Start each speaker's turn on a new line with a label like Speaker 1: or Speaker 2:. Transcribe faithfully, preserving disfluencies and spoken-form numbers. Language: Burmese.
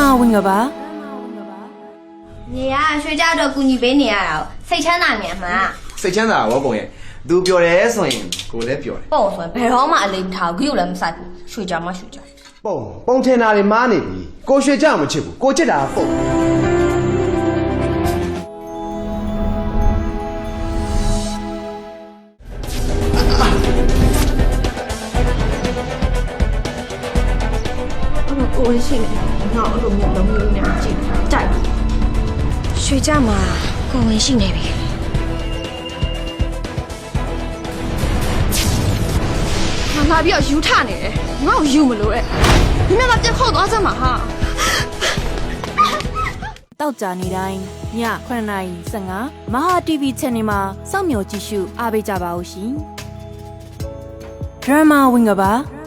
Speaker 1: ဝင်ကပါ
Speaker 2: နေရရွှေကြတော့ကူညီပေးနေရတာစိတ်ချမ်းသာမြန်မှာ
Speaker 3: စိတ်ချမ်းသာရောပုံရဲ့သူပျော်တယ်ဆိုရင်ကိုလည်းပျော်တယ်
Speaker 2: ပုံဆိုရင်ဘယ်တော့မှအလေးမထားဘူးဂရုလည်းမစိုက်ဘူးရွှေကြမှရွှေကြ
Speaker 4: ပုံပုံထင်တာတွေမားနေပြီကိုရွှေကြမချစ်ဘူးကိုချစ်တာပုံ
Speaker 5: ကိုဝင်ရှိနေငါအဲ့လိုမျိုးလုံးမျိုးနဲ့ကြည့်ကြိုက်ရွှေကြမှာကိုဝင်ရှိနေပြီငါလာပြီးတော့ယူထနေတယ်ငါ့ကိုယူမလို့တဲ့ဒီနေ့ကပြတ်ခေါက်သွားစမ်းမှာဟာ
Speaker 1: တောက်ကြနေတိုင်းညခုနှစ်နာရီ၁၅မဟာ တီဗီ channel မှာစောင့်မျှော်ကြည့်ရှုအားပေးကြပါဦးရှင်ဒရမာဝင်ကပါ